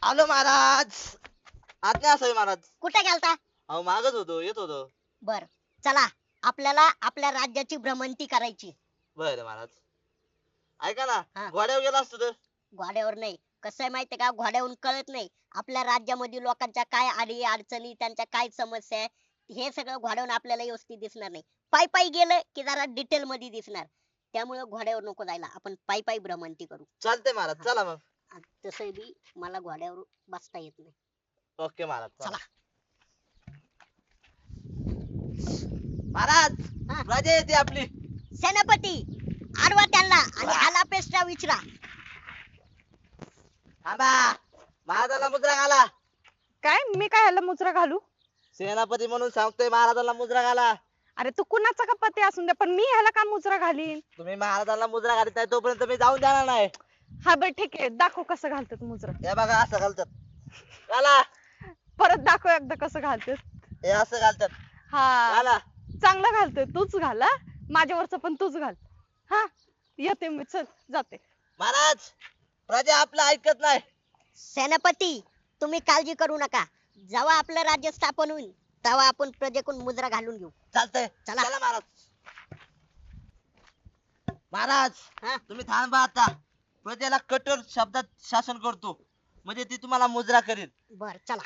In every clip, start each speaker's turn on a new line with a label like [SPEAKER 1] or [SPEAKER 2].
[SPEAKER 1] आलो महाराज. आज काय असावे महाराज?
[SPEAKER 2] कुठे गेलता?
[SPEAKER 1] अहो मागच होतो, येत होतो.
[SPEAKER 2] बर, चला आपल्याला आपल्या राज्याची भ्रमंती करायची.
[SPEAKER 1] बरं महाराज. ऐका ना,
[SPEAKER 2] हा.
[SPEAKER 1] घोड्यावर गेला असतो तर?
[SPEAKER 2] घोड्यावर नाही. कसं आहे माहितीये का, घोड्यावरून कळत नाही आपल्या राज्यामध्ये लोकांच्या काय अडी अडचणी, त्यांच्या काय समस्या आहे, हे सगळं घोड्यावरून आपल्याला व्यवस्थित दिसणार नाही. पायी पायी गेलं की जरा डिटेल मध्ये दिसणार. त्यामुळे घोड्यावर नको जायला, आपण पायी पायी भ्रमंती करू.
[SPEAKER 1] चालतंय महाराज, चला मग.
[SPEAKER 2] तसं बी मला घोड्यावर बसता येत नाही.
[SPEAKER 1] ओके महाराज,
[SPEAKER 2] चला.
[SPEAKER 1] महाराज,
[SPEAKER 2] हा.
[SPEAKER 1] राजा येते आपली.
[SPEAKER 2] सेनापती आडवा त्यांना आणि हाला पेस्टा विचरा.
[SPEAKER 1] थांबा, महाराजाला मुद्रा घाला.
[SPEAKER 3] काय मी काय ह्याला मुजरा घालू?
[SPEAKER 1] सेनापती म्हणून सांगतोय, महाराजाला मुद्रा घाला.
[SPEAKER 3] अरे तू कुणाचा का पती असून दे, पण मी ह्याला का मुजरा घालीन?
[SPEAKER 1] तुम्ही महाराजाला मुद्रा घालत नाही तोपर्यंत मी जाऊन जाणार नाही.
[SPEAKER 3] हा बर ठीक आहे, दाखव कसं घालतात मुजरा.
[SPEAKER 1] हे बघा, असं घालतात. घाला.
[SPEAKER 3] परत दाखव एकदा कसं घालतात.
[SPEAKER 1] हे असं घालतात.
[SPEAKER 3] हा
[SPEAKER 1] घाला.
[SPEAKER 3] चांगलं घालतोय, तूच घाल हा. माझ्यावरच पण तूच घाल. हा येते मी, चल जाते.
[SPEAKER 1] महाराज, प्रजा आपलं ऐकत नाही.
[SPEAKER 2] सेनापती तुम्ही काळजी करू नका. जेव्हा आपलं राज्य स्थापन होईल तेव्हा आपण प्रजेकडून मुद्रा घालून घेऊ.
[SPEAKER 1] चालतंय,
[SPEAKER 2] चला.
[SPEAKER 1] चला महाराज. महाराज,
[SPEAKER 2] हा?
[SPEAKER 1] तुम्ही थांबा आता. प्रजेला कठोर शब्दात शासन करतो, म्हणजे ती तुम्हाला मुद्रा करेल.
[SPEAKER 2] बर चला.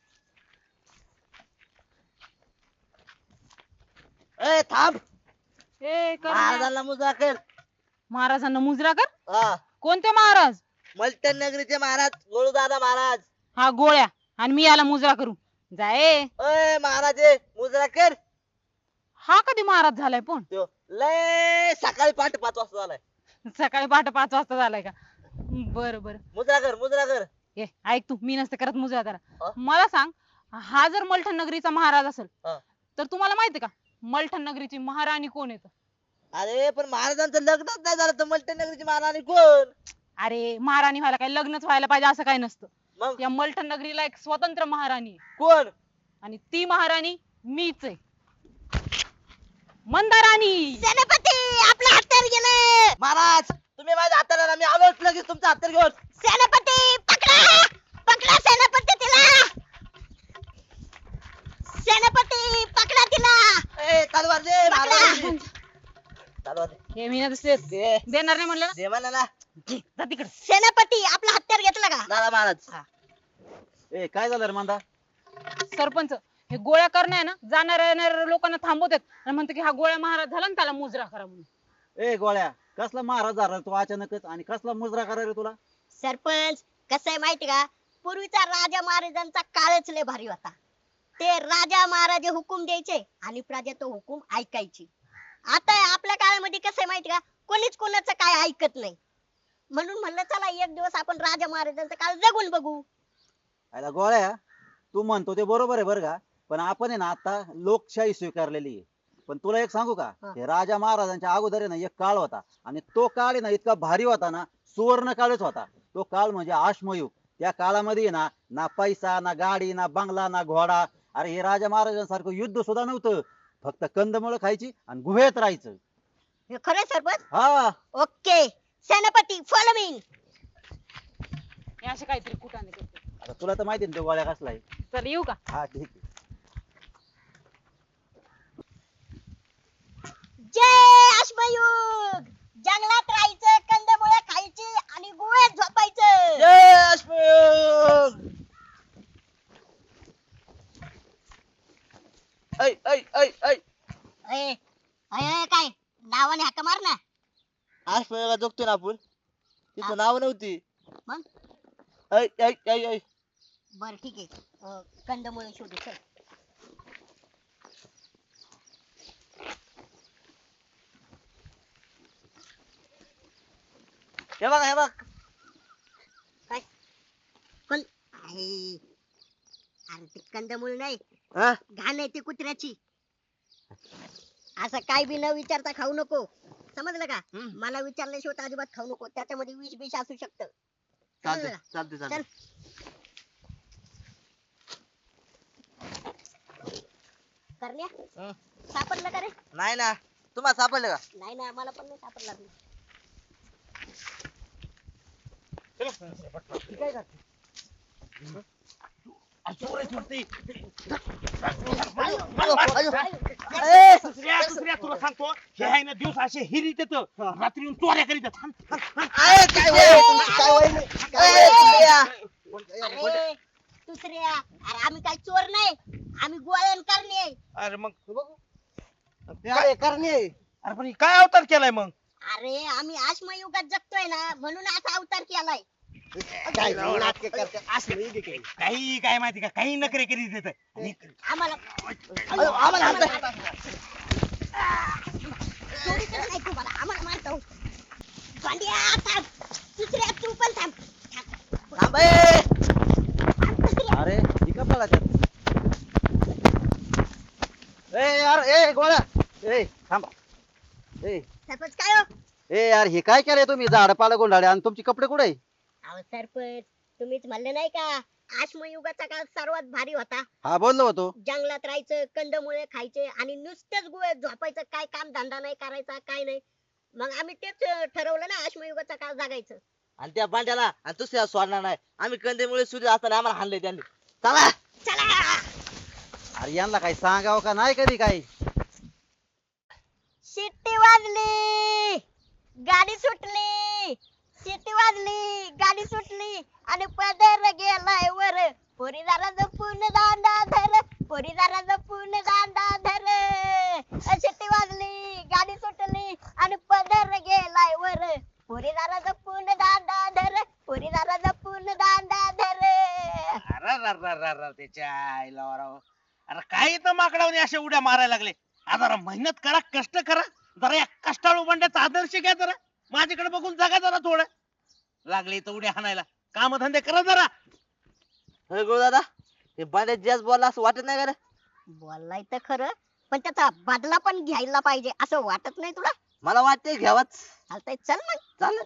[SPEAKER 1] ए थांब,
[SPEAKER 3] ए कर
[SPEAKER 1] महाराजांना मुद्रा कर.
[SPEAKER 3] महाराजांना मुजरा कर.
[SPEAKER 1] हा,
[SPEAKER 3] कोणते महाराज?
[SPEAKER 1] मलटण नगरीचे महाराज गोळूदादा महाराज.
[SPEAKER 3] हा गोळ्या, आणि मी याला मुजरा करू जाय.
[SPEAKER 1] ए महाराज, मुद्रा कर.
[SPEAKER 3] हा कधी महाराज झालाय? पण
[SPEAKER 1] त्यो लय सकाळी पहाटे 5 वाजता झालाय.
[SPEAKER 3] सकाळी पहाटे 5 वाजता झालाय का? बर बर.
[SPEAKER 1] मुद्रा कर, मुद्रा कर.
[SPEAKER 3] ए ऐक तू, मी नसते करत मुजरा त्याला.
[SPEAKER 1] हा?
[SPEAKER 3] मला सांग, हा जर मलठण नगरीचा महाराज असेल
[SPEAKER 1] हा.
[SPEAKER 3] तर तुम्हाला माहिती का मलठण नगरीची महाराणी कोण येत?
[SPEAKER 1] अरे पण महाराजांचं लग्नच नाही झालं तर मलटण नगरीची महाराणी कोण?
[SPEAKER 3] अरे महाराणी व्हायला काय लग्नच व्हायला पाहिजे असं काय नसतं.
[SPEAKER 1] मग
[SPEAKER 3] या मलठण नगरीला एक स्वतंत्र महाराणी आहे,
[SPEAKER 1] कोण?
[SPEAKER 3] आणि ती महाराणी मीच आहे, मंदाराणी.
[SPEAKER 2] सेनापती आपलं हत्यार गेलं.
[SPEAKER 1] महाराज, तुम्ही माझ्या हाताला, मी आलोच लगेच तुमचा हातात घेऊन.
[SPEAKER 2] सेनापती पकडा, पकडा सेनापती तिला. सेनापती पकडा तिला.
[SPEAKER 1] ए तलवार दे महाराजांची. तलवार दे.
[SPEAKER 3] हे मी नसते
[SPEAKER 1] दे.
[SPEAKER 3] देणार नाही म्हणलं ना.
[SPEAKER 1] दे म्हणा ना.
[SPEAKER 3] जा तिकडे.
[SPEAKER 2] सेनापती आपलं हत्यार घेतलं का?
[SPEAKER 1] दादा महाराज.
[SPEAKER 4] ए काय झालं रे मांदा?
[SPEAKER 3] सरपंच हे गोळ्या करणं आहे ना, जाणाऱ्या येणाऱ्या लोकांना थांबवतात आणि म्हणतो की हा गोळ्या महाराज झाला ना, त्याला मुजरा करा म्हणून.
[SPEAKER 4] ए गोळ्या, कसला महाराज झाला रे तू अचानकच, आणि कसला मुजरा करा रे तुला?
[SPEAKER 2] सरपंच कसं आहे माहिती का, पूर्वीचा राजा महाराजांचा काळच लय भारी होता. ते राजा महाराजे हुकूम द्यायचे आणि प्रजा तो हुकूम ऐकायची. आता आपल्या काळामध्ये कसं आहे माहिती का, कोणीच कोणाचं काय ऐकत नाही. म्हणून म्हणलं चला एक दिवस आपण राजा महाराजांचा काळ जगून बघू.
[SPEAKER 4] आयला गोळ्या, तू म्हणतो ते बरोबर आहे बरं का, पण आपण आहे ना आता लोकशाही स्वीकारलेली आहे. पण तुला एक सांगू का,
[SPEAKER 2] हा.
[SPEAKER 4] हे राजा महाराजांच्या अगोदर आहे ना एक काळ होता, आणि तो काळ आहे ना इतका भारी होता ना, सुवर्ण काळच होता. तो काळ म्हणजे अश्मयुग. त्या काळामध्ये आहे ना, ना पैसा, ना गाडी, ना बंगला, ना घोडा. अरे हे राजा महाराजांसारखं युद्ध सुद्धा नव्हतं. फक्त कंदमुळं खायची आणि गुहेत राहायचं.
[SPEAKER 2] हे खरं सरपंच?
[SPEAKER 4] हा,
[SPEAKER 2] ओके सेनापती फॉलो मी.
[SPEAKER 3] हे असे काहीतरी कुठाने करतो.
[SPEAKER 4] आता तुला तर माहिती ना तो गोळ्या कसला आहे.
[SPEAKER 3] चल येऊ का?
[SPEAKER 4] हा ठीक आहे.
[SPEAKER 2] जय अश्मयुग. जंगलात राहायचं, कंदमुळं खायची आणि गुहेत झोपायचं.
[SPEAKER 1] जय अश्मयुग. ऐ ऐ ऐ ऐ
[SPEAKER 2] ए, अय, काय नावाने हाका मार ना.
[SPEAKER 1] अश्मयुगात जगतोय ना आपण. तिचं नाव नव्हती.
[SPEAKER 2] मग?
[SPEAKER 1] ऐ ऐ ऐ ऐ.
[SPEAKER 2] बर ठीक आहे, कंदमुळं शोधू चल.
[SPEAKER 1] हे बघ, हे बघ.
[SPEAKER 2] काय पण आहे? अरे ते कंदमुळ नाही,
[SPEAKER 1] हा?
[SPEAKER 2] घाण आहे ती कुत्र्याची. असं काय बी न विचारता खाऊ नको, समजलं का? मला विचारल्याशिवाय तर अजिबात खाऊ नको, त्याच्यामध्ये विष बिष असू शकतं. समजलं
[SPEAKER 1] चालतंय,
[SPEAKER 2] का?
[SPEAKER 1] चालतंय,
[SPEAKER 2] चल.
[SPEAKER 1] चालतंय.
[SPEAKER 2] करण्या
[SPEAKER 1] हं.
[SPEAKER 2] सापडलं का रे?
[SPEAKER 1] नाही ना, तुम्हाला सापडलं का?
[SPEAKER 2] नाही ना, मला पण नाही सापडला.
[SPEAKER 1] काय करते?
[SPEAKER 5] दुसऱ्या तुला सांगतो हे आहे ना दिवस असे हिरीत येत रात्री येऊन चोऱ्या करीत येत.
[SPEAKER 2] अरे दुसऱ्या, अरे आम्ही काय चोर नाही, आम्ही गोळ्यान करणे.
[SPEAKER 5] अरे मग
[SPEAKER 6] काय करणे
[SPEAKER 5] अरे पण हे काय अवतार केलाय मग?
[SPEAKER 2] अरे आम्ही आश्मयुगात युगात जगतोय ना, म्हणून असा अवतार केलाय.
[SPEAKER 6] काय नाटके करते असलं इथे काही.
[SPEAKER 5] काही काय माहिती का काही नखरे करीत येत.
[SPEAKER 2] आम्हाला
[SPEAKER 6] आम्हाला
[SPEAKER 2] चोरीचं नाही तुम्हाला, आम्हाला मारतो. भांड्या थांब, दुसऱ्या तू पण थांब. थांब दुसऱ्या.
[SPEAKER 4] अरे ही का पळाल्यात? ए यार ए गोळ्या ए थांबा ए
[SPEAKER 2] सरपंच काय हो?
[SPEAKER 4] ए यार हे काय केलंय तुम्ही झाड पाला गोंधळे आणि तुमचे कपडे कुठे आहे?
[SPEAKER 2] अहो सरपंच, तुम्हीच म्हणले नाही का आश्मयुगाचा काळ सर्वात भारी होता.
[SPEAKER 4] हा बोललो होतो.
[SPEAKER 2] जंगलात राहायचं, कंदमुळे खायचे आणि नुसतेच गोळ्यात झोपायचं, काय काम धंदा नाही करायचा, काय नाही. मग आम्ही तेच ठरवलं ना आश्मयुगाचा काळ जगायचं.
[SPEAKER 1] आणि त्या बांड्याला आणि दुसऱ्या सोडणार नाही. आम्ही कंदमुळे सूर्य असताना आम्हाला हाणले त्यांनी. चला
[SPEAKER 2] चला.
[SPEAKER 4] अरे यांना काही सांगावं का नाही कधी काही?
[SPEAKER 2] शिट्टी वाजली, गाडी सुटली. शिट्टी वाजली, गाडी सुटली आणि पदर गेलाय वर. पोरी जरा जपून दांडा धर, पोरी जरा जपून दांडा धर. शिट्टी वाजली, गाडी सुटली आणि पदर गेलाय वर. पोरी जरा जपून दांडा धर, पोरी जरा जपून दांडा धर.
[SPEAKER 5] अरे त्याच्या आईला वराव. अरे काय इथं माकडावने अशा उड्या मारायला लागले. आता जरा मेहनत करा, कष्ट करा, जरा या कष्टाळू बंड्याचा आदर्श घ्या जरा. माझ्याकडे बघून जगा जरा थोडं. लागले इथं उड्या हाणायला, काम धंदे करा जरा.
[SPEAKER 1] होय गुरु दादा, हे बांड्या जास्त बोलला असं वाटत नाही का रे?
[SPEAKER 2] बोललाय तर खरं, पण त्याचा बदला पण घ्यायला पाहिजे असं वाटत नाही तुला?
[SPEAKER 1] मला वाटतंय घ्यावाच.
[SPEAKER 2] चालतंय, चल मग.
[SPEAKER 1] चालेल.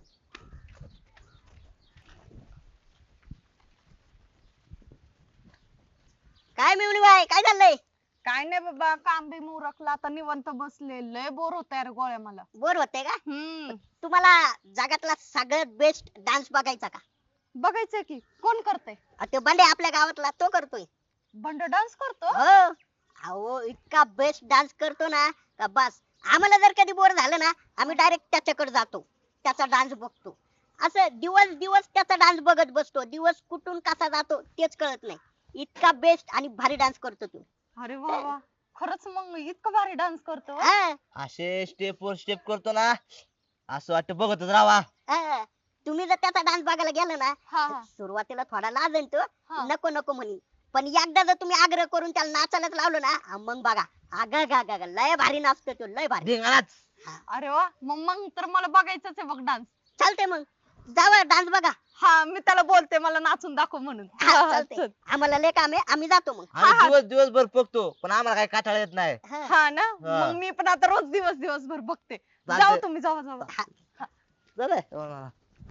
[SPEAKER 2] काय मिळून बाय, काय झालंय?
[SPEAKER 3] काय नाही बाबा, काम बी मुरकला, आता निवांत बसले. लय बोर होत यार गोळ्या मला.
[SPEAKER 2] बोर होते का? तुम्हाला जगातला सगळ्यात बेस्ट डान्स बघायचा का?
[SPEAKER 3] बघायचंय की कोण करतय?
[SPEAKER 2] ते बंडे आपल्या गावातला तो करतोय.
[SPEAKER 3] बंड डान्स करतो?
[SPEAKER 2] हो. अहो इतका बेस्ट डान्स करतो ना का बस. आम्हाला जर कधी बोर झालं ना, आम्ही डायरेक्ट त्याच्याकडे जातो, त्याचा डान्स बघतो. असं दिवस दिवस त्याचा डान्स बघत बसतो. दिवस कुठून कसा जातो तेच कळत नाही. इतका बेस्ट आणि भारी डान्स करतो तो.
[SPEAKER 3] अरे वा वा, खरंच मग इतकं भारी डान्स करतो?
[SPEAKER 2] हा,
[SPEAKER 1] असे स्टेप वर स्टेप करतो ना, असं वाटतं बघतच राहावा.
[SPEAKER 2] हा. तुम्ही जर त्याचा डान्स बघायला गेला ना,
[SPEAKER 3] हा हा
[SPEAKER 2] सुरुवातीला थोडा लाजेल तो,
[SPEAKER 3] हा.
[SPEAKER 2] नको नको म्हणी. पण एकदा जर तुम्ही आग्रह करून त्याला नाचायलाच लावलं ना, मग बघा गा लय भारी नाचतो तो, लय भारी.
[SPEAKER 1] धिंगाणाच.
[SPEAKER 3] अरे वा, मग तर मला बघायचंच आहे बघ डान्स.
[SPEAKER 2] चालते मग, जावा डान्स बघा.
[SPEAKER 3] हा, मी त्याला बोलते मला नाचून दाखव म्हणून.
[SPEAKER 2] हा,
[SPEAKER 3] हा,
[SPEAKER 2] चालतंय.
[SPEAKER 3] चल.
[SPEAKER 2] आम्हाला लय काम आहे, आम्ही जातो मग.
[SPEAKER 1] आम्ही दिवसभर बघतो पण आम्हाला काही काटाळा येत नाही.
[SPEAKER 2] हा.
[SPEAKER 3] हा ना,
[SPEAKER 1] हा.
[SPEAKER 3] मग मी पण आता रोज दिवसभर बघते.
[SPEAKER 1] चालतंय.
[SPEAKER 3] जाऊ तुम्ही, जावा जावा.
[SPEAKER 1] झालंय.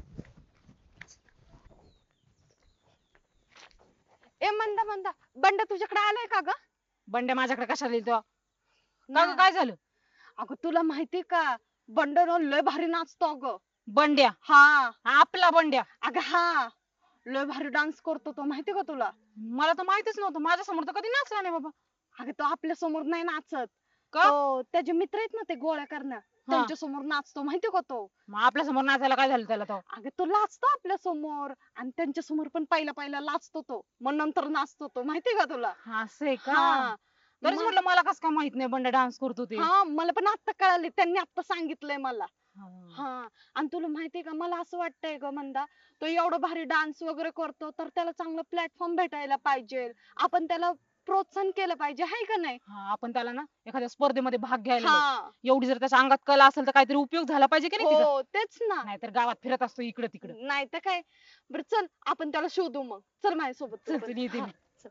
[SPEAKER 3] ए मंदा बंड तुझ्याकडे आलाय का ग?
[SPEAKER 7] बंड्या माझ्याकडे कशाला येतो?
[SPEAKER 3] ना.
[SPEAKER 7] काय झालं?
[SPEAKER 3] अगं तुला माहितीये का, बंड ना लय भारी नाचतो अगं.
[SPEAKER 7] बंड्या?
[SPEAKER 3] हा
[SPEAKER 7] आपला बंड्या?
[SPEAKER 3] अगं हा, लय भारी डान्स करतो तो, माहितीये का तुला?
[SPEAKER 7] मला तर माहितच नव्हतं. माझ्या समोर तर कधी नाचला नाही बाबा.
[SPEAKER 3] अगं तो आपल्या समोर नाही नाचत.
[SPEAKER 7] का?
[SPEAKER 3] तो त्याचे मित्र आहेत ना ते गोळ्या करणं, त्यांच्या समोर नाचतो, माहितीये का तो?
[SPEAKER 7] मग आपल्या समोर नाचायला काय झालं त्याला? तो
[SPEAKER 3] अगं तो लाचतो आपल्या समोर आणि त्यांच्या समोर पण पहिला लाचतो तो, मग नंतर नाचतो तो, माहितीये का तुला?
[SPEAKER 7] असं आहे का?
[SPEAKER 3] हा.
[SPEAKER 7] तरीच
[SPEAKER 3] मग-
[SPEAKER 7] म्हटलं मला कसं काय माहित नाही बंड्या डान्स करतो ते.
[SPEAKER 3] हा, मला पण आता कळाले, त्यांनी आता सांगितलंय मला.
[SPEAKER 7] हा.
[SPEAKER 3] हा, आणि तुला माहितीये का, मला असं वाटतंय ग मंदा, तो एवढं भारी डान्स वगैरे करतो तर त्याला चांगलं प्लॅटफॉर्म भेटायला पाहिजे. आपण त्याला प्रोत्साहन केलं पाहिजे, हाय का नाही?
[SPEAKER 7] हा, आपण त्याला ना एखाद्या स्पर्धेमध्ये भाग घ्यायला लावू.
[SPEAKER 3] हा,
[SPEAKER 7] एवढी जर त्याच्या अंगात कला असेल तर काहीतरी उपयोग झाला पाहिजे की नाही तिचा?
[SPEAKER 3] हो तेच ना.
[SPEAKER 7] नाहीतर गावात फिरत असतो इकडे तिकडे.
[SPEAKER 3] नाही तर काय. बरं चल, आपण त्याला शोधू मग. चल माझ्यासोबत.
[SPEAKER 7] चल, चल, येते
[SPEAKER 3] हा,
[SPEAKER 7] मी.
[SPEAKER 3] चल.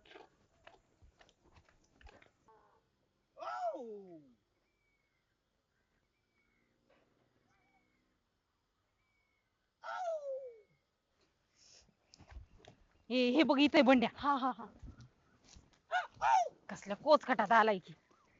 [SPEAKER 7] हे बघ इथे बंड्या.
[SPEAKER 3] हा हा हा.
[SPEAKER 7] कसल्या कोच खटात आलाय की.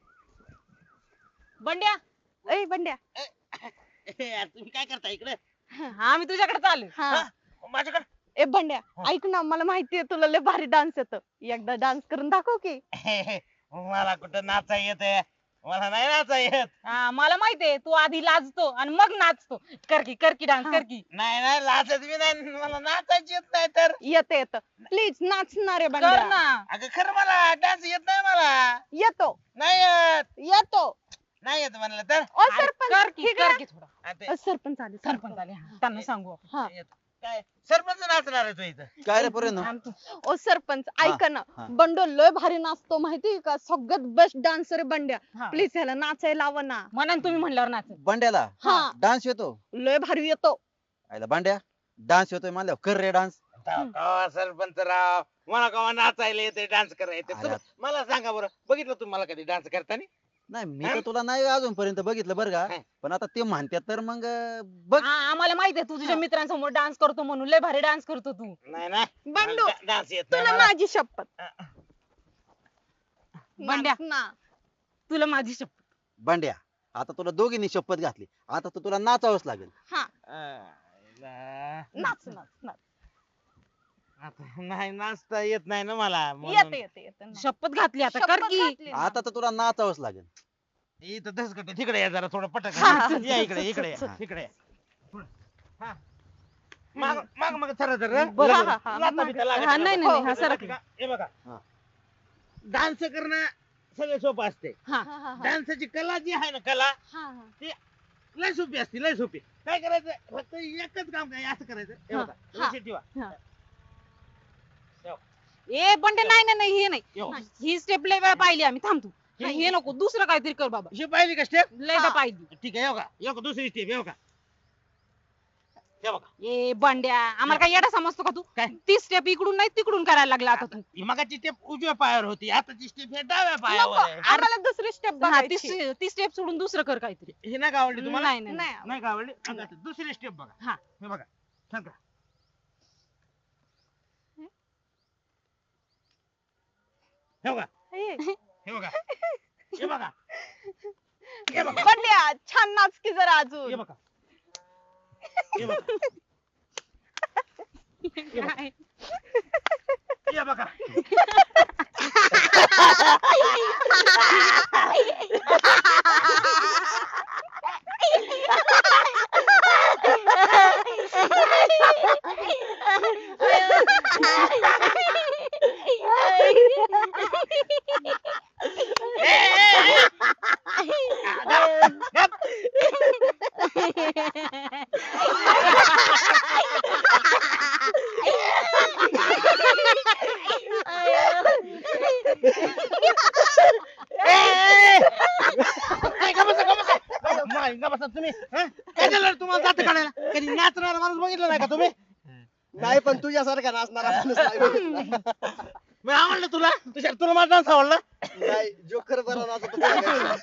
[SPEAKER 7] बंड्या,
[SPEAKER 3] ए बंड्या.
[SPEAKER 5] तुम्ही काय करता इकडे?
[SPEAKER 7] आम्ही तुझ्याकडे चालू.
[SPEAKER 3] हा.
[SPEAKER 5] माझ्याकडे
[SPEAKER 3] ए बंड्या ऐक ना, मला माहितीये तुला लय भारी डान्स येतो, एकदा डान्स करून दाखव की.
[SPEAKER 5] मला कुठं नाचा येत मला नाही नाचा येत.
[SPEAKER 7] हा मला माहितीये तू आधी लाजतो आणि मग नाचतो. कर की डान्स कर की.
[SPEAKER 5] नाही नाही लाजत मी नाही, मला नाचायची येत नाही तर.
[SPEAKER 3] येतं येतं, प्लीज नाचणार आहे
[SPEAKER 7] कर
[SPEAKER 3] बंड्या.
[SPEAKER 7] ना.
[SPEAKER 5] अगं खरं मला डान्स येत नाही मला.
[SPEAKER 3] येतो
[SPEAKER 5] नाही येत.
[SPEAKER 3] येतो.
[SPEAKER 5] नाही येत म्हणलं तर.
[SPEAKER 3] ओ
[SPEAKER 7] अरे
[SPEAKER 3] सरपंच
[SPEAKER 7] कर की
[SPEAKER 3] इकडे
[SPEAKER 7] कर की थोडा.
[SPEAKER 5] आता
[SPEAKER 3] सरपंच आले
[SPEAKER 7] सरपंच आले हा, त्यांना सांगू.
[SPEAKER 3] हा.
[SPEAKER 5] येत. काय सरपंच नाचणार आहे तू इथं.
[SPEAKER 4] काय रे पोरे
[SPEAKER 7] थांब तू.
[SPEAKER 3] ओ सरपंच ऐका ना,
[SPEAKER 4] हा.
[SPEAKER 3] बंडो लय भारी नाचतो माहितीये का, सगळ्यात बेस्ट डान्सर आहे बंड्या.
[SPEAKER 7] हा.
[SPEAKER 3] प्लीज ह्याला नाचायला लावा ना.
[SPEAKER 7] म्हणा ना तुम्ही म्हणल्यावर नाच.
[SPEAKER 4] बंड्याला
[SPEAKER 3] हा
[SPEAKER 4] डान्स येतो?
[SPEAKER 3] लय भारी येतो.
[SPEAKER 4] आयला बांड्या डान्स येतोय म्हणल्यावर कर रे डान्स.
[SPEAKER 5] कवा सरपंच राव मला कवा नाचायला येते डान्स करायला येते
[SPEAKER 4] अरे.
[SPEAKER 5] मला सांगा बरं बघितलं तुम्ही मला कधी डान्स करताना.
[SPEAKER 4] नाही मी तर तुला नाही अजूनपर्यंत बघितलं बरं का,
[SPEAKER 5] हा.
[SPEAKER 4] पण आता ते म्हणतात तर मग बघ.
[SPEAKER 7] हा, आम्हाला माहितीये तू तुझ्या मित्रांसमोर डान्स करतो म्हणून लय भारी डान्स करतो तू.
[SPEAKER 5] नाही नाही
[SPEAKER 3] बंडू
[SPEAKER 5] डान्स येत नाही
[SPEAKER 3] तुला
[SPEAKER 5] मला.
[SPEAKER 3] माझी शपथ.
[SPEAKER 7] बंड्या.
[SPEAKER 3] नाच ना.
[SPEAKER 7] तुला माझी शपथ.
[SPEAKER 4] बांड्या आता तुला दोघींनी शपथ घातली, आता तर तुला नाचावंच लागेल.
[SPEAKER 3] हा
[SPEAKER 5] आयला.
[SPEAKER 3] नाच नाच नाच.
[SPEAKER 5] आता नाही नाचता येत नाही ना मला म्हणून.
[SPEAKER 3] येते येते येते नाच.
[SPEAKER 7] शपथ घातली आता कर
[SPEAKER 3] शपथ
[SPEAKER 7] की.
[SPEAKER 3] घातली ना.
[SPEAKER 4] आता तर तुला नाचावंच लागेल.
[SPEAKER 5] इथं धसकट आहे. तिकडे या जरा थोडं पटक
[SPEAKER 3] हा, हा.
[SPEAKER 5] या इकडे इकडे या.
[SPEAKER 4] हा.
[SPEAKER 5] इकडे या. पुढं. हा. माग माग मग थर थर
[SPEAKER 3] बरं, हा, हा,
[SPEAKER 5] लाथा बिथा लागत
[SPEAKER 7] हा, नाही, नाही, हा, सरक.
[SPEAKER 5] हे बघा
[SPEAKER 4] हा.
[SPEAKER 5] डान्स करणं सगळं सोपं असते.
[SPEAKER 7] हा
[SPEAKER 3] हा, हा, हा.
[SPEAKER 5] डान्सची कला जी आहे ना कला
[SPEAKER 3] हा, हा.
[SPEAKER 5] लय सोपी असते लय सोपी. काय करायचं फक्त एकच काम काय असं करायचं हे
[SPEAKER 7] हा,
[SPEAKER 5] बघा
[SPEAKER 3] हा.
[SPEAKER 5] लक्षात ठेवा.
[SPEAKER 7] ए बंड्या नाही नाही नाही हे नाही.
[SPEAKER 5] यो.
[SPEAKER 7] ही स्टेप लय वेळा पाहिली आम्ही. थांब तू. हे नको दुसरं काहीतरी कर बाबा.
[SPEAKER 5] ही पाहिली का स्टेप.
[SPEAKER 7] लयदा पाहिली.
[SPEAKER 5] ठीक आहे हे बघा दुसरी स्टेप हे बघा हे बघा.
[SPEAKER 7] ए बंड्या आम्हाला काय येडा समजतो का तू?
[SPEAKER 5] काय?
[SPEAKER 7] ती स्टेप इकडून नाही तिकडून करायला लागला आता तू.
[SPEAKER 5] ही मगाची स्टेप उजव्या पायावर होती आताची स्टेप हे डाव्या
[SPEAKER 3] नको,
[SPEAKER 5] पायावर आहे.
[SPEAKER 3] आम्हाला दुसरी स्टेप
[SPEAKER 7] हा,
[SPEAKER 3] बघायची.
[SPEAKER 7] ती स्टेप सोडून दुसरं कर काहीतरी.
[SPEAKER 5] ही नाही का आवडली तुम्हाला.
[SPEAKER 7] नाही नाही
[SPEAKER 3] नाही
[SPEAKER 5] नाही का आवडली आता दुसरी स्टेप बघा.
[SPEAKER 7] हा.
[SPEAKER 5] हे बघा सांगा हे बघा
[SPEAKER 3] हे.
[SPEAKER 5] हे बघा हे बघा हे बघा
[SPEAKER 3] बंड्या छान नाच की जरा
[SPEAKER 5] हे
[SPEAKER 3] अजून.
[SPEAKER 5] बघा हे बघा
[SPEAKER 7] काय?
[SPEAKER 5] हे बघा तुम्ही हं? काय झालं तुम्हाला जात काढायला कधी नाचणारा माणूस बघितला नाही का तुम्ही.
[SPEAKER 6] नाही पण तुझ्यासारखा नाचणारा माणूस नाही बघितला.
[SPEAKER 5] मी आवडलं तुला तुला माझा डान्स आवडला.
[SPEAKER 6] नाही जोकर बरा नाचत होता.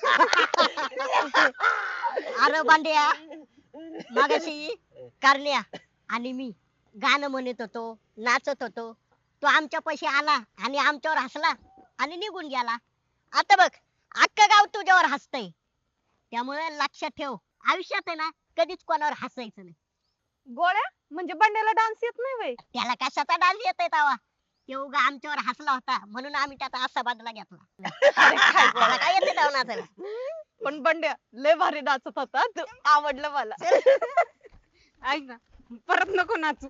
[SPEAKER 2] अरे बांड्या मागाशी करण्या आणि मी गाणं म्हणत होतो नाचत होतो. तो आमच्या पैसे आला आणि आमच्यावर हसला आणि निघून गेला. आता बघ अख्खं गाव तुझ्यावर हसतय. त्यामुळे लक्षात ठेव आयुष्यात आहे ना कधीच कोणावर हसायचं नाही.
[SPEAKER 3] गोळ्या म्हणजे बंड्याला डान्स येत नाही वय.
[SPEAKER 2] त्याला कशाचा डान्स येतोय तवा. ते उगा आमच्यावर हसला होता म्हणून आम्ही त्याचा असा बदला घेतला. त्याला काय येते तेव्हा नाचायला.
[SPEAKER 3] पण बंड्या लय भारी नाचत होता तू, आवडलं मला.
[SPEAKER 7] ऐक ना परत नको नाचू.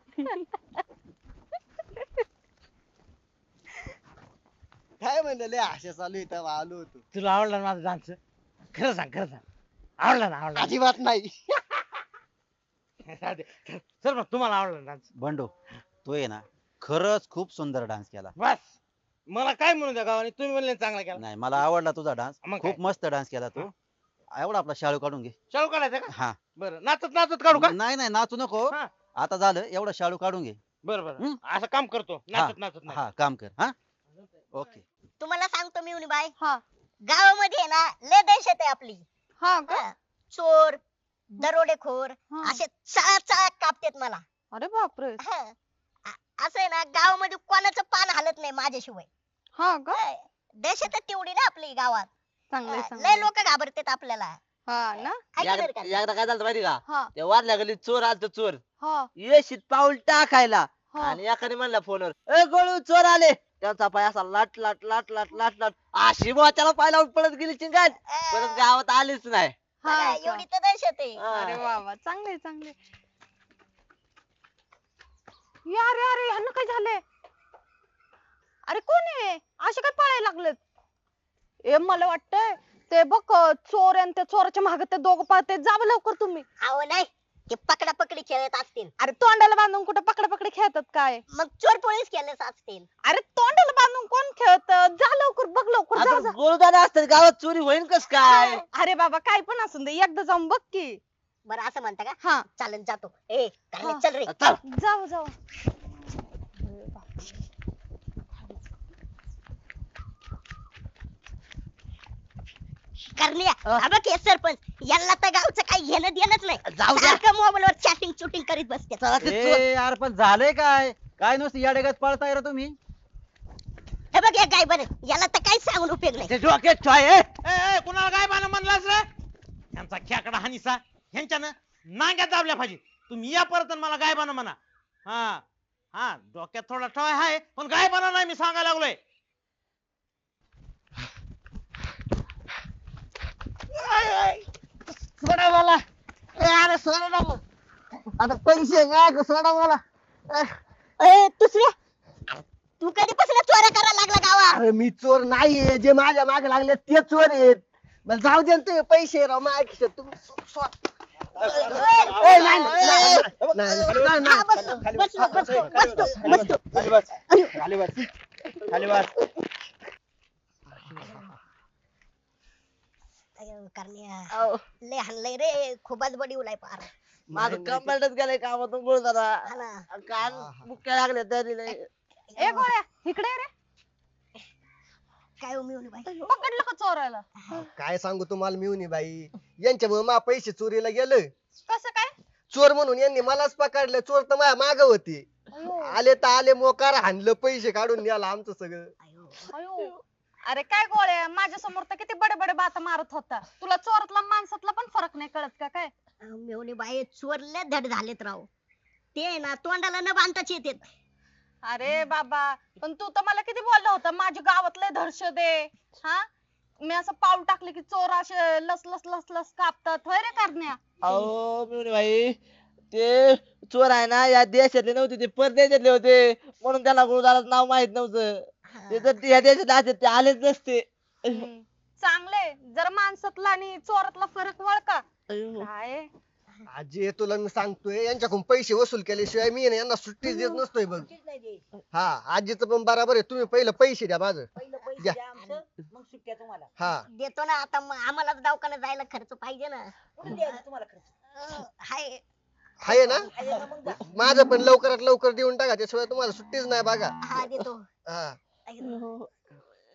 [SPEAKER 6] काय म्हणलं लय आशा चालू आहे तेव्हा आलो होतो.
[SPEAKER 5] तुला आवडला ना माझा डान्स खरं सांग आवडला ना आवडला
[SPEAKER 6] अजिबात नाही.
[SPEAKER 5] सर मग तुम्हाला आवडला डान्स.
[SPEAKER 4] बंडो तो आहे ना खरंच खूप सुंदर डान्स केला.
[SPEAKER 5] बस मला काय म्हणू द्या गावाने तुम्ही म्हणले चांगला केला.
[SPEAKER 4] नाही मला आवडला तुझा डान्स,
[SPEAKER 5] मग काय?
[SPEAKER 4] खूप मस्त डान्स केला तू. एवढा आपला शाळू काढून घे.
[SPEAKER 5] शाळू काढायचा का
[SPEAKER 4] हा
[SPEAKER 5] बरं नाचत नाचत काढू का.
[SPEAKER 4] नाही नाही नाचू नको.
[SPEAKER 5] हा.
[SPEAKER 4] आता झालं एवढा शाळू काढून घे.
[SPEAKER 5] बरं बरं
[SPEAKER 4] हं?
[SPEAKER 5] असं काम करतो नाचत नाचत नाही.
[SPEAKER 4] हा काम कर. हा ओके.
[SPEAKER 2] तुम्हाला सांगतो मी बाई
[SPEAKER 3] हा
[SPEAKER 2] गावामध्ये आहे ना लय दहशत आहे आपली.
[SPEAKER 3] हा का.
[SPEAKER 2] हा. चोर दरोडेखोर
[SPEAKER 3] हा.
[SPEAKER 2] असे चळा कापतेत मला.
[SPEAKER 3] अरे बापरे.
[SPEAKER 2] हा. असं आहे ना गावामध्ये कोणाचं पान हालत नाही माझ्याशिवाय.
[SPEAKER 3] हा का.
[SPEAKER 2] हा. दहशतच तेवढी ना आपली गावात.
[SPEAKER 3] चांगलंय
[SPEAKER 2] लय
[SPEAKER 3] चांगलंय.
[SPEAKER 2] लोक घाबरतात आपल्याला.
[SPEAKER 3] हा ना.
[SPEAKER 2] ऐका बरं का?
[SPEAKER 1] एकदा काय झालं माहिती का,
[SPEAKER 3] हा
[SPEAKER 1] त्या वारल्या गल्लीत चोर आलत चोर
[SPEAKER 3] हा
[SPEAKER 1] येशीत पाऊल टाकायला
[SPEAKER 3] हा.
[SPEAKER 1] आणि एकाने म्हणला फोनवर ए गोळू चोर आले. त्यांचा पाय असा लाट लाट लाट लाट लाट लाट अशी त्याला पाय लावून पळत गेली चिंगाट. परत गावात आलीच नाही.
[SPEAKER 3] हा
[SPEAKER 2] बघा,
[SPEAKER 3] का?
[SPEAKER 2] एवढी तर दहशत आहे.
[SPEAKER 1] हा.
[SPEAKER 3] अरे वा वा चांगले चांगले. अरे अरे ह्यांना काय झालंय? अरे कोण आहे असे काय पळायला लागलेत? ए मला वाटतंय ते बघ चोर आणि त्या चोराच्या मागे ते दोघं पळते. जावं लवकर तुम्ही.
[SPEAKER 2] अहो नाही, ते पकडा पकडी खेळत असतील.
[SPEAKER 3] अरे तोंडाला बांधून कुठे पकडापकडी खेळतात काय?
[SPEAKER 2] मग चोर पोलीस खेळत असतील.
[SPEAKER 3] अरे तोंडाला बांधून कोण खेळत? जा लवकर बघ लवकर जा
[SPEAKER 1] आता
[SPEAKER 3] जा.
[SPEAKER 1] गोळूदादा असतात गावात चोरी होईन कस काय?
[SPEAKER 3] अरे बाबा काय पण असून दे एकदा जाऊन बघ की.
[SPEAKER 2] बरं असं म्हणता का?
[SPEAKER 3] हा
[SPEAKER 2] चालन जातो. ए करण्या,
[SPEAKER 3] हा.
[SPEAKER 2] चल रे.
[SPEAKER 1] चल.
[SPEAKER 3] जाऊ जाऊ.
[SPEAKER 2] करण्या, हा बघ हे सरपंच, यांना तर गावचं काही घेणं देणंच नाही.
[SPEAKER 1] जाऊ द्या.
[SPEAKER 2] सारखं मोबाईलवर चॅटिंग शूटिंग करीत बसते.
[SPEAKER 1] चला ते चोर.
[SPEAKER 4] ए यार पण झालंय काय? काय नुसतं याडेगात पळताय रे तुम्ही?
[SPEAKER 2] हे बघ हे काय बरं, याला तर काही सांगून उपयोग नाही.
[SPEAKER 1] ते डोक्यात ठेवा, ए.
[SPEAKER 5] ए कुणाला काय बाना म्हणलास रे? यांचा खेकडा हानिसा ह्यांच्यानं नांग्यात दाबल्या पाहिजे. तुम्ही या परत आणि मला गायबाना म्हणा. हा हा डोक्यात थोडा ठवाय हाय पण गायबाना नाही मी सांगायला लागलोय.
[SPEAKER 1] सोडा मला. अरे सोडा ना मग. आता पैसे काय सोडा मला.
[SPEAKER 2] ए दुसऱ्या, तू कधीपासून चोऱ्या करायला लागला गावात?
[SPEAKER 6] अरे मी चोर नाहीये, जे माझ्या मागे लागले ते चोर आहेत. मला जाऊ दे ना ते पैसे राव माझ्या खिशात. तुम्ही ए, नाही, नाही, नाही, नाही,
[SPEAKER 2] हा,
[SPEAKER 6] नाही.
[SPEAKER 2] बसलो, बसलो, बसलो, बसलो.
[SPEAKER 6] खाली बस, खाली बस, खाली बस.
[SPEAKER 2] अयो, करण्या, लय हाणलंय रे, खूपच बडी उलाय पार.
[SPEAKER 1] माझं कंबरच गेलंय कामातून गोळूदादा.
[SPEAKER 2] हा ना.
[SPEAKER 1] कान मुक्या लागले तरी लय.
[SPEAKER 3] ए गोळ्या इकडे ये रे.
[SPEAKER 2] काय उमी बाई?
[SPEAKER 3] पकडलं का चोराला?
[SPEAKER 6] काय सांगू तुम्हाला मिळून बाई, यांच्यामुळे मा पैसे चोरीला गेलं.
[SPEAKER 3] कसं काय?
[SPEAKER 6] चोर म्हणून यांनी मलाच पकडलं. चोर तर माझ्या माग होते. आले तर आले, मोकार हाणलं, पैसे काढून न्याला आमचं सगळं.
[SPEAKER 3] अयो. अरे काय गोळ्या माझ्या समोर तर किती बडे बडे बाता मारत होता. तुला चोरातला माणसातला पण फरक नाही कळत का काय?
[SPEAKER 2] मेवणी बाई चोरले धड झालेत राव. ते ना तोंडाला न बांधताच येतेत.
[SPEAKER 3] अरे बाबा पण तू तर मला किती बोलला होता माझ्या गावातले धडश दे. हा मी असं पाऊल टाकले की चोर असे लस लस लस लस कापतात होय रे करण्या.
[SPEAKER 1] अहो मिळून भाई ते चोर आहे ना या देशातले नव्हते, ते परदेशातले होते. म्हणून त्याला गोळूदादाचं नाव माहित नव्हतं. ते जर या देशातले असते ते आलेच नसते.
[SPEAKER 3] चांगले जरा माणसातला आणि चोरातला फरक वळका.
[SPEAKER 1] अयो.
[SPEAKER 3] काय
[SPEAKER 6] आजी तुला मी सांगतोय, यांच्याकडून पैसे वसूल केल्याशिवाय मी ना यांना सुट्टीच देत नसतोय बघ. हा आजीचं पण बरोबर आहे. तुम्ही पहिलं पैसे द्या माझं. द्या. हा
[SPEAKER 2] देतो ना आता, मग आम्हाला दवाखान्यात जायला खर्च पाहिजे ना. हाय.
[SPEAKER 6] आहे ना, माझं पण लवकरात लवकर देऊन टाका, त्याशिवाय तुम्हाला सुट्टीच नाही बघा.
[SPEAKER 2] हा देतो.
[SPEAKER 6] हा
[SPEAKER 2] ऐक ना.